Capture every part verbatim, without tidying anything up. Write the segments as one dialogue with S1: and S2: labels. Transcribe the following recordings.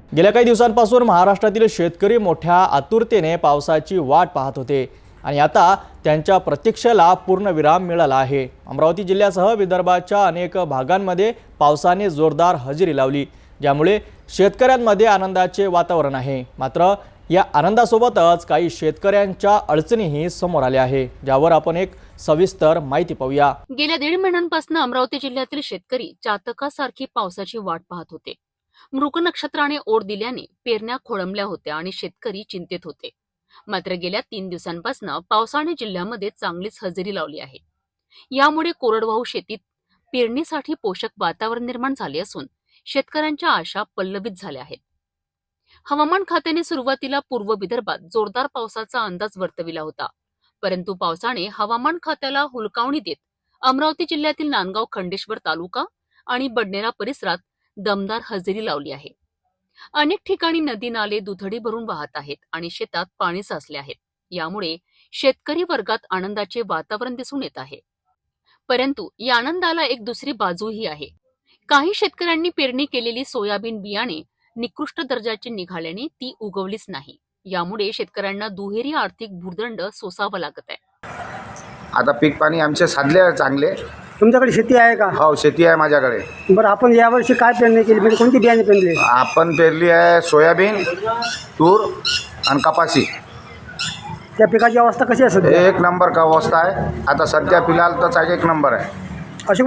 S1: गेल्या काही दिवसांपासून महाराष्ट्रातील शेतकरी मोठ्या आतुरतेने पावसाची वाट पाहत होते आणि आता त्यांच्या प्रतीक्षेला पूर्णविराम मिळाला आहे। अमरावती जिल्ह्यासह विदर्भाच्या अनेक भागांमध्ये पावसाने जोरदार हजेरी लावली, ज्यामुळे शेतकऱ्यांमध्ये आनंदाचे वातावरण आहे। मात्र या आनंदासोबतच काही शेतकऱ्यांच्या अडचणीही समोर आल्या आहे, ज्यावर आपण एक सविस्तर माहिती पाहूया।
S2: गेल्या दीड महिन्यांपासून अमरावती जिल्ह्यातील शेतकरी चातकासारखी पावसाची वाट पाहत होते। मृग नक्षत्राने ओढ दिल्याने पेरण्या खोळंबल्या होत्या आणि शेतकरी चिंतेत होते। मात्र गेल्या तीन दिवसांपासून पावसाने जिल्ह्यामध्ये चांगलीच हजेरी लावली आहे। यामुळे कोरडवाहू शेतीत पेरणीसाठी पोषक वातावरण निर्माण झाले असून शेतकऱ्यांच्या आशा पल्लवित झाल्या आहेत। हवामान खात्याने सुरुवातीला पूर्व विदर्भात जोरदार पावसाचा अंदाज वर्तविला होता, परंतु पावसाने हवामान खात्याला हुलकावणी देत अमरावती जिल्ह्यातील नांदगाव खंडेश्वर तालुका आणि बडनेरा परिसरात दमदार हजेरी लावली आहे। अनेक ठिकाणी नदी नाले दुथडी भरून वाहत आहेत आणि शेतात पाणी साचले आहेत। यामुळे शेतकरी वर्गात आनंदाचे वातावरण दिसून येत आहे। परंतु या आनंदाला एक दुसरी बाजूही आहे। काही शेतकऱ्यांनी पेरणी केलेली सोयाबीन बियाणे निकृष्ट दर्जाचे निघाल्याने ती उगवलीच नाही। यामुळे शेतकऱ्यांना दुहेरी आर्थिक भूर्दंड सोसावा लागत आहे।
S3: आता पीक पाणी आमचे साधले आहे चांगले।
S4: तुमच्याकडे शेती आहे का?
S3: हो, शेती आहे माझ्याकडे।
S4: बरं, आपण यावर्षी काय पेरणी केली, म्हणजे कोणती बियाणे पेरली?
S3: आपण पेरली आहे सोयाबीन, तूर आणि कपाशी।
S4: त्या पिकाची अवस्था कशी आहे सध्या?
S3: एक नंबर का अवस्था आहे आता सध्या, फिलहाल तर एक नंबर आहे।
S4: अशोक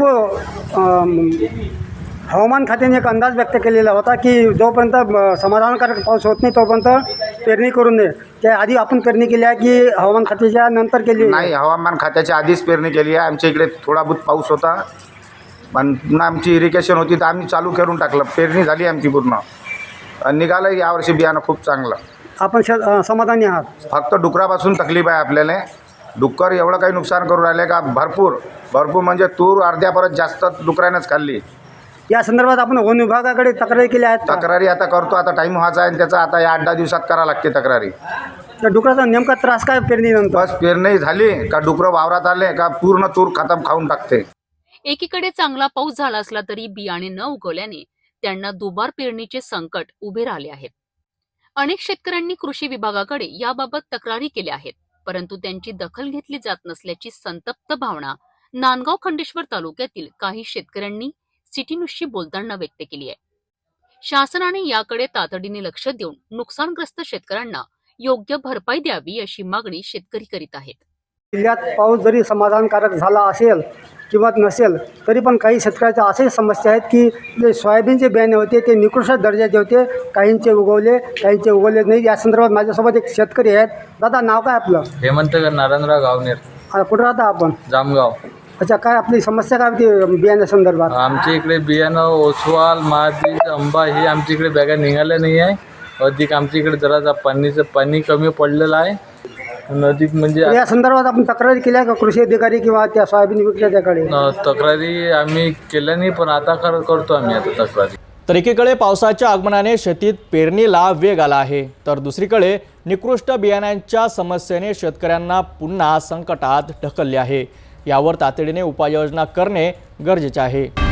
S4: भाऊ, हवामान खात्याने एक अंदाज व्यक्त केलेला होता की जोपर्यंत समाधानकारक पाऊस होत नाही तोपर्यंत पेरणी करून नये। त्या आधी आपण पेरणी केली आहे की हवामान खात्याच्या नंतर केली?
S3: नाही, हवामान खात्याच्या आधीच पेरणी केली आहे। आमच्या इकडे थोडा बहुत पाऊस होता, पण पुन्हा आमची इरिगेशन होती तर आम्ही चालू करून टाकलं। पेरणी झाली आमची पूर्ण, निघालं यावर्षी बियाणं खूप चांगलं।
S4: आपण श समाधानी आहात?
S3: फक्त डुकरापासून तकलीफ आहे आपल्याला। डुक्कर एवढं काही नुकसान करून राहिले का भरपूर भरपूर म्हणजे तूर अर्ध्यापर्यंत जास्त डुकरानेच खाल्ली।
S4: या संदर्भात आपण वन विभागाकडे तक्रारी केल्या आहेत?
S3: तक्रारी आता करतो, आता टाईम व्हायचा आहे त्याचा, आता या आठ दहा दिवसात करा लागते तक्रारी।
S4: त्या डुकराचा नेमका त्रास काय पेरणीनंतर?
S3: बस पेरणी झाली का डुकरं वावरात आले का पूर्ण तूर खतम खाऊन टाकते।
S2: एकीकडे चांगला पाऊस झाला असला तरी बियाणे न उगवल्याने त्यांना दुबार पेरणीचे संकट उभे राहिले आहेत। अनेक शेतकऱ्यांनी कृषी विभागाकडे याबाबत तक्रारी केल्या आहेत, परंतु त्यांची दखल घेतली जात नसल्याची संतप्त भावना नांदगाव खंडेश्वर तालुक्यातील काही शेतकऱ्यांनी सिटी न्यूजशी बोलताना व्यक्त केली आहे। शासनाने याकडे तातडीने लक्ष देऊन नुकसानग्रस्त शेतकऱ्यांना योग्य भरपाई द्यावी अशी मागणी शेतकरी करीत आहेत।
S4: जिल्ह्यात पाऊस जरी समाधानकारक झाला असेल किंवा नसेल तरी पण काही शेतकऱ्याच्या अशाही समस्या आहेत की जे सोयाबीनचे बियाणे होते ते निकृष्ट दर्जाचे होते, काहींचे उगवले काहींचे उगवले नाही। या संदर्भात माझ्यासोबत एक शेतकरी आहेत। दादा, नाव काय आपलं?
S5: हेमंत नारायणराव गावनेर।
S4: कुठं राहता आपण?
S5: जामगाव।
S4: अच्छा, काय आपली समस्या काय होती बियाण्या संदर्भात?
S5: आमच्या इकडे बियाणं ओसवाल महादीज आंबा हे आमच्या इकडे बॅगा निघाल्या नाही आहे। अधिक आमच्या इकडे जरा पाणीचं पाणी कमी पडलेलं आहे। अधिक म्हणजे
S4: या संदर्भात आपण तक्रारी केल्या का कृषी अधिकारी किंवा त्या सोयाबीन विक्रेत्याकडे?
S5: तक्रारी आम्ही केल्या नाही, पण आता कर करतो आम्ही आता तक्रारी।
S1: तर एकीकडे पावसाच्या आगमनाने शेतीत पेरणीला वेग आला आहे, तर दुसरीकडे निकृष्ट बियाण्यांच्या समस्येने शेतकऱ्यांना पुन्हा संकटात ढकलले आहे। यावर तातडीने उपाययोजना करणे गरजेचे आहे।